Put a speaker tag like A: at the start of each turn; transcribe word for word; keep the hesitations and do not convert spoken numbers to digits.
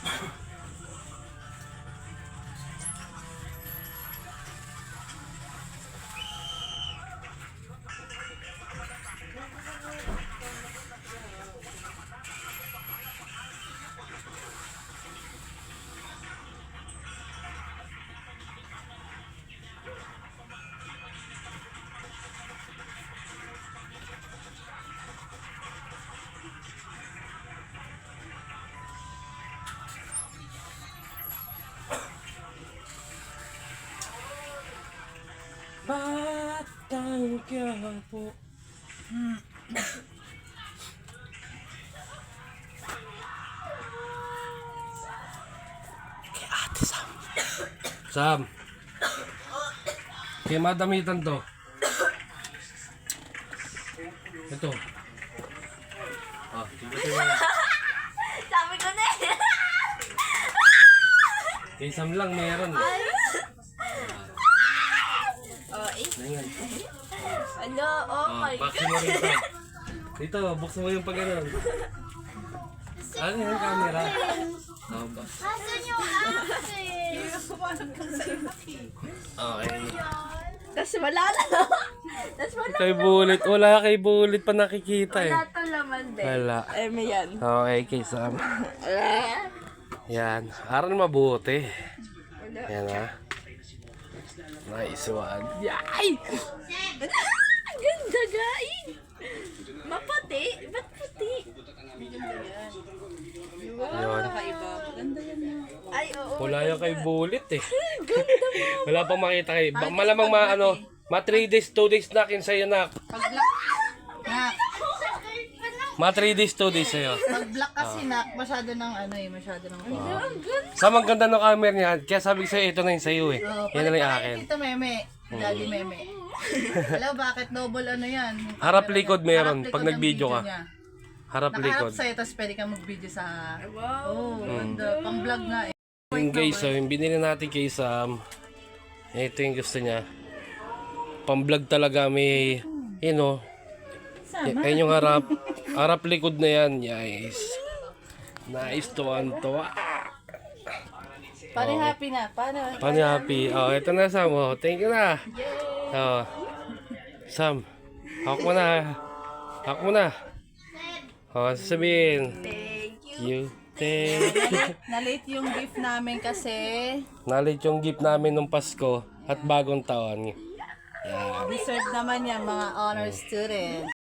A: Batang Quiapo. Hmm. Kay Ate Sam. Sam. Kaya madamitan to. Ito. Ah, tingnan mo.
B: Sabi ko na eh.
A: Kay Sam lang meron.
B: Oh, eh.
A: Ayan.
B: Ano? Oh
A: Ah,
B: my
A: buksan mo rin ito. Dito, buksan mo yung pag ganun. Ano yung camera? Oh, ba?
B: Asan yung akin?
A: Okay.
B: Tapos wala na. Tapos wala.
A: Kay Bullet. Wala kay Bullet pa nakikita eh.
B: Wala to laman din.
A: Wala.
B: Eh, may yan.
A: Okay, kay Sam. Yan. Aral mabuti. Yan ha. Nice one.
B: Ay! Ang ganda, guys! Maputi? Ba't puti?
A: Yun.
B: Ay, oo.
A: Wala yan kay Bullet eh.
B: Ganda mo.
A: Wala pang makita kay. Ba- malamang ma ano. Ma three days, two days na kin sa'yo na. Ma three days, two days sa'yo.
C: Pag black kasi nak, masyado ng ano eh, masyado ng...
B: Ang ganda.
A: Sam, ang ganda ng camera niya. Kaya sabi ko sa'yo, ito na yung sa'yo eh.
C: Oh,
A: Yan na lang yung akin.
C: Dito meme, daddy meme. Hello, bakit double ano yan? Yung
A: Harap
C: camera
A: likod
C: niya.
A: meron,
C: Harap
A: pag
C: likod
A: nag-video
C: ng
A: ka.
C: niya.
A: Harap
C: Nakaharap
A: likod.
C: sa'yo, tapos pwede kang mag-video sa...
B: Wow.
C: Oh, ganda. Pang vlog nga eh.
A: Yung guys, so, yung binili natin kay Sam. Ito yung gusto niya. Pang-vlog talaga may, you know, y- ayun yung harap. Harap likod na yan, guys. Nice, tuwan-tuwa.
C: Pare happy na. Paano?
A: Paano happy? Oh, ito na Sam. Oh, thank you na. Oh. Sam, hawak mo na. Hawak mo na. Oh, sasabihin.
B: Thank you.
A: You. Thank you.
C: Na-late yung gift namin kasi
A: Nalit yung gift namin nung Pasko at bagong taon. Yan.
C: deserve naman yan mga honor student.